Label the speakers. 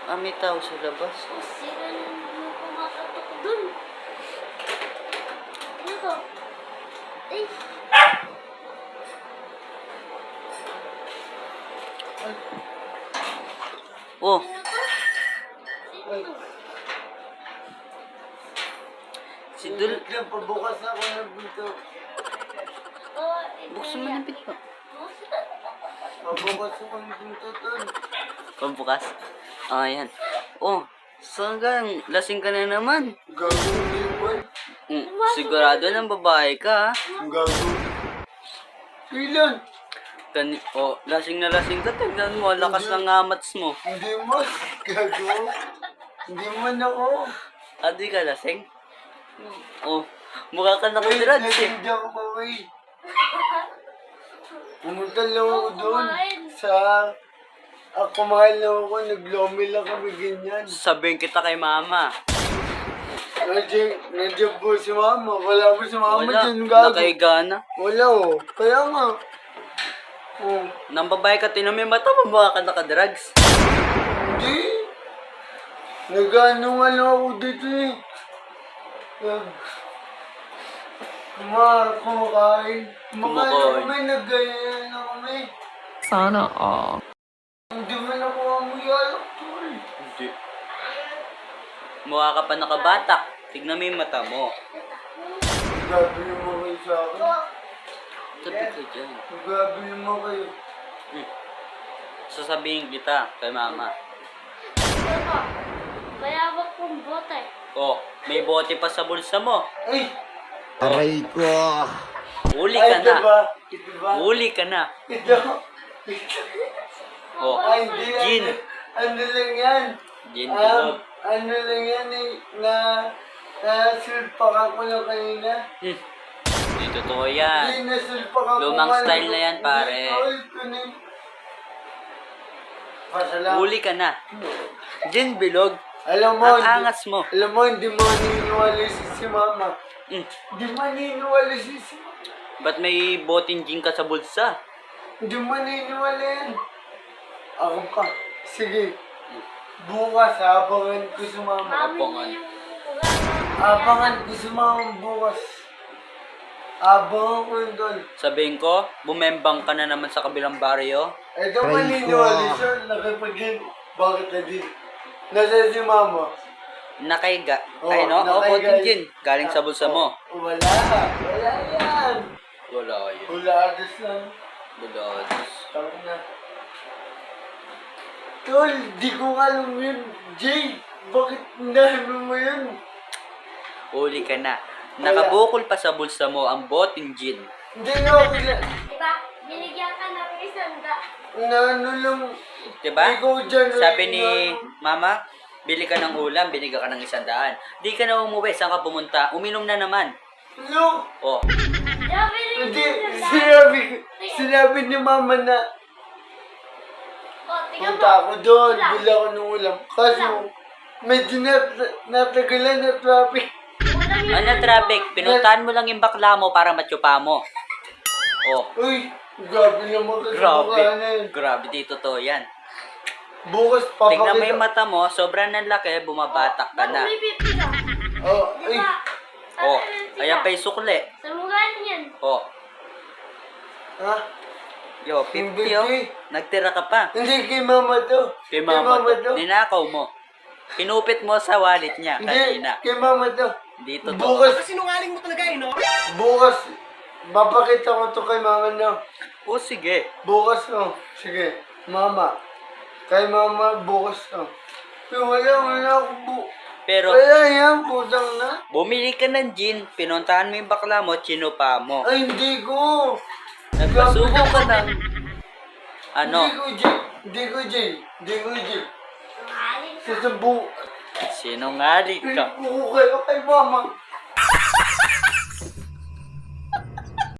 Speaker 1: Ah, may tao sa labas.
Speaker 2: Sira na yung kumakatok dun. Ano to? Ay!
Speaker 1: Oh,
Speaker 2: Sino to? Sino to?
Speaker 1: si Dul...
Speaker 3: Yan, pabukas ako ng pinto.
Speaker 2: Oh,
Speaker 1: Buksan mo ng pinto.
Speaker 3: Pabukas ako ng pinto, Tol.
Speaker 1: Pambukas. Ah, yan. Oh, saan ka? Lasing ka na naman.
Speaker 3: Gagawin mo yun, boy.
Speaker 1: Sigurado ng babae ka, ha?
Speaker 3: Ang gagawin. Ilan?
Speaker 1: Oh, lasing na lasing ka. Tignan mo, lakas ng amats mo.
Speaker 3: Hindi mo. Gagawin. Hindi man ako.
Speaker 1: Ah, di ka lasing? Oh, mukha ka nakadrugs eh.
Speaker 3: Hindi ako maway. Pumunta lang ako doon sa... kumain lang ako, naglomi lang kami ganyan.
Speaker 1: Sabihin kita kay mama.
Speaker 3: Nandiyan po si mama. Wala po si mama
Speaker 1: Wala,
Speaker 3: dyan, gago.
Speaker 1: nakahiga na.
Speaker 3: Wala oh. Kaya nga. Oh.
Speaker 1: Nang babae ka, tinan mo yung mata mo, mukha ka nakadrugs.
Speaker 3: Hindi. Nag-ano nga lang ako dito eh. Kumakain. Kumakain kami, nag-ganyan na kami.
Speaker 4: Sana all.
Speaker 3: Hindi man ako amuyalak, Tol.
Speaker 1: Hindi. Mukha ka pa nakabatak. Tignan mo yung mata mo.
Speaker 3: Grabe naman kayo sa akin.
Speaker 1: Sabi ka dyan.
Speaker 3: Grabe naman kayo.
Speaker 1: Sasabihin kita kay mama.
Speaker 2: Ito. Bayabak kong bote.
Speaker 1: Oh, may bote pa sa bulsa mo.
Speaker 3: Ay!
Speaker 5: Aray ko.
Speaker 1: Uli ka na.
Speaker 3: Ito ba? Ito ba?
Speaker 1: Uli ka na.
Speaker 3: Ito.
Speaker 1: Oh,
Speaker 3: Ay, hindi.
Speaker 1: Gin.
Speaker 3: Ano lang yan?
Speaker 1: Gin bilog.
Speaker 3: Ano lang yan eh. Nasulpakan ko lang kanina.
Speaker 1: Hindi totoo yan.
Speaker 3: Hindi, nasulpakan ko.
Speaker 1: Lumang
Speaker 3: nga
Speaker 1: style
Speaker 3: lang.
Speaker 1: na yan, pare.
Speaker 3: Pasalamat.
Speaker 1: Uli ka na. Gin bilog.
Speaker 3: Alam mo,
Speaker 1: Ang angas mo.
Speaker 3: Alam mo, hindi mo naniniwala si mama. Hindi mo naniniwala si mama.
Speaker 1: Ba't may boteng gin ka sa bulsa?
Speaker 3: Hindi mo naniniwala yan. Ako pa. Sige. Bukas, abangan ko si mama.
Speaker 2: Mami
Speaker 1: Abangan.
Speaker 2: niya yung
Speaker 3: Abangan ko si mama bukas. Abangan ko yun doon.
Speaker 1: Sabihin ko, bumembang ka na naman sa kabilang baryo.
Speaker 3: Ito maniniwala siya. Nakipag-game. Bakit na din? Nasaan si mama?
Speaker 1: Nakahiga.
Speaker 3: Oh,
Speaker 1: Ay no? Oh,
Speaker 3: nakahiga.
Speaker 1: boteng gin. Galing sa bulsa mo.
Speaker 3: Wala. Wala yan.
Speaker 1: Wala yun.
Speaker 3: Huladas lang.
Speaker 1: Budados.
Speaker 3: Tawag na. Tol, di ko alam yun. Jay, bakit namin mo yun?
Speaker 1: Uli ka na. Nakabukol pa sa bulsa mo ang boteng gin.
Speaker 3: Hindi ako na...
Speaker 2: Diba? Binigyan ka ng isang
Speaker 3: ano lang...
Speaker 1: Diba?
Speaker 3: Ikaw dyan.
Speaker 1: Sabi ni mama, bili ka ng ulam, binigyan ka ng 100. Di ka na umuwi, saan ka pumunta? Uminom na naman.
Speaker 3: No!
Speaker 1: Oh,
Speaker 2: Diba binigyan
Speaker 3: Hindi,
Speaker 2: ka ng
Speaker 3: sinabi ni mama na
Speaker 2: Oh, tingnan mo.
Speaker 3: punta ako doon,
Speaker 2: Ulam.
Speaker 3: bili ako ng ulam. Kaso, medyo natagalan na traffic.
Speaker 2: Ulam yun.
Speaker 1: ano traffic? Pinuntahan mo lang yung bakla mo para matsupa mo. Oh,
Speaker 3: Uy, grabe naman kasi
Speaker 1: grabe.
Speaker 3: bukanan.
Speaker 1: Grabe, dito to yan.
Speaker 3: Bukas
Speaker 1: Tignan mo yung
Speaker 3: papakita.
Speaker 1: mata mo, sobrang nanlaki, bumabatak ka na.
Speaker 2: Ba't may pipi ka?
Speaker 3: Oh, ay,
Speaker 2: Diba?
Speaker 1: Oh, ayan pa yung sukli.
Speaker 2: Sa mukha niyan.
Speaker 1: Oh,
Speaker 3: ha?
Speaker 1: yo, 50
Speaker 3: Hindi.
Speaker 1: oh. Nagtira ka pa.
Speaker 3: Hindi kay mama to.
Speaker 1: Kay mama to. Ninakaw mo. Kinupit mo sa wallet niya
Speaker 3: Hindi,
Speaker 1: kanina.
Speaker 3: kay mama to.
Speaker 1: Dito to.
Speaker 3: Bukas,
Speaker 4: Sinungaling mo talaga eh, no?
Speaker 3: bukas, mapakita ko to kay mama na.
Speaker 1: Oh, sige.
Speaker 3: Bukas, oh. Sige, mama. Kay mama, bukas, oh. Pero wala ako
Speaker 1: Pero,
Speaker 3: Wala yan, putang na.
Speaker 1: bumili ka ng gin, pinuntahan mo yung bakla mo, chinupa mo.
Speaker 3: Ay, hindi ko.
Speaker 1: Nagpasubo ka ng... Ano?
Speaker 3: Hindi ko, Jay.
Speaker 2: Aling
Speaker 3: Sasabu.
Speaker 1: Sinungaling ka.
Speaker 3: Pinagpuko kayo kay mama.